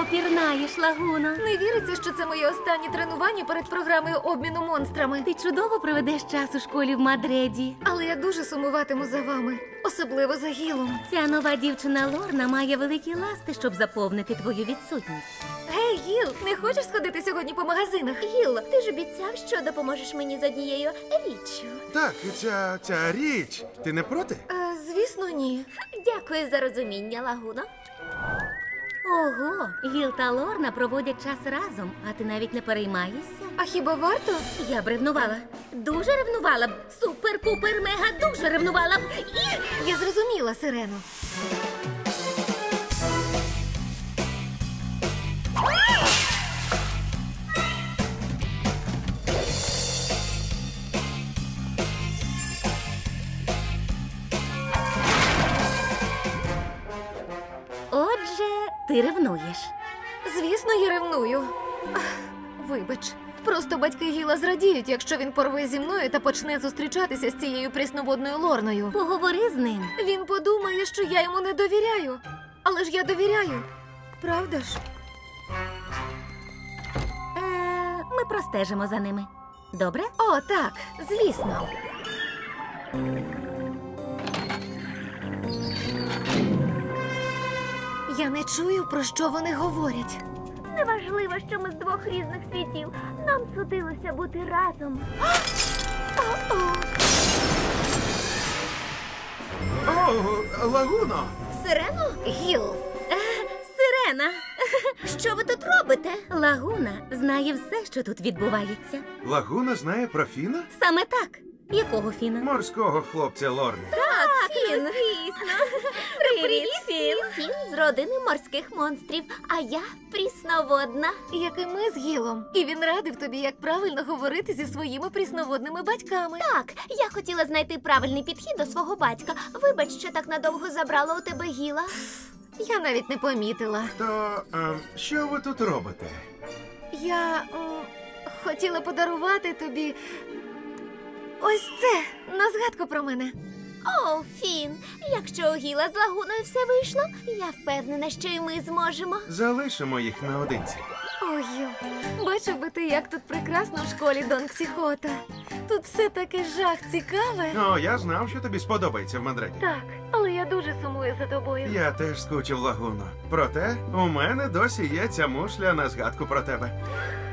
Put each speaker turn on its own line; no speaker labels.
чудово пірнаєш, Лагуно.
Не віриться, що це моє останнє тренування перед програмою обміну монстрами.
Ти чудово проведеш час у школі в Мадреді.
Але я дуже сумуватиму за вами, особливо за Гілом.
Ця нова дівчина Лорна має великі ласти, щоб заповнити твою відсутність.
Гей, Гіл, не хочеш сходити сьогодні по магазинах?
Гіл, ти ж обіцяв, що допоможеш мені з однією річчю.
Так, ця річ. Ти не проти?
Звісно, ні.
Дякую за розуміння, Лагуно.
Ого, Гіл та Лорна проводять час разом, а ти навіть не переймаєшся?
А хіба варто?
Я б ревнувала. Дуже ревнувала б. Супер-пупер-мега дуже ревнувала б.
Я зрозуміла, Сирено.
Отже, ти ревнуєш.
Звісно, я ревную. Вибач. Просто батьки Гіла зрадіють, якщо він порве зі мною та почне зустрічатися з цією прісноводною Лорною.
Поговори з ним.
Він подумає, що я йому не довіряю. Але ж я довіряю. Правда ж?
Ми простежимо за ними. Добре?
О, так, звісно. Я не чую, про що вони говорять.
Неважливо, що ми з двох різних світів. Нам судилося бути разом.
О, Лагуно!
Сирено?
Гіл,
Сирена!
Що ви тут робите?
Лагуна знає все, що тут відбувається.
Лагуна знає про Фіна?
Саме так. Якого Фіна?
Морського хлопця Лорни.
Фін. Звісно. Привіт, Фін. Фін з родини морських монстрів, а я прісноводна.
як і ми з Гілом. І він радив тобі, як правильно говорити зі своїми прісноводними батьками.
Так, я хотіла знайти правильний підхід до свого батька. Вибач, що так надовго забрала у тебе Гіла.
Я навіть не помітила.
То що ви тут робите?
Я хотіла подарувати тобі ось це на згадку про мене.
О, Фін, якщо у Гіла з Лагуною все вийшло, я впевнена, що і ми зможемо.
Залишимо їх наодинці.
Ой, Гіл, бачив би ти, як тут прекрасно в школі Дон Ксіхота. Тут все таке жах цікаве.
О, я знав, що тобі сподобається в Мадриді.
Так, але я дуже сумую за тобою.
Я теж скучив, Лагуно. Проте у мене досі є ця мушля на згадку про тебе.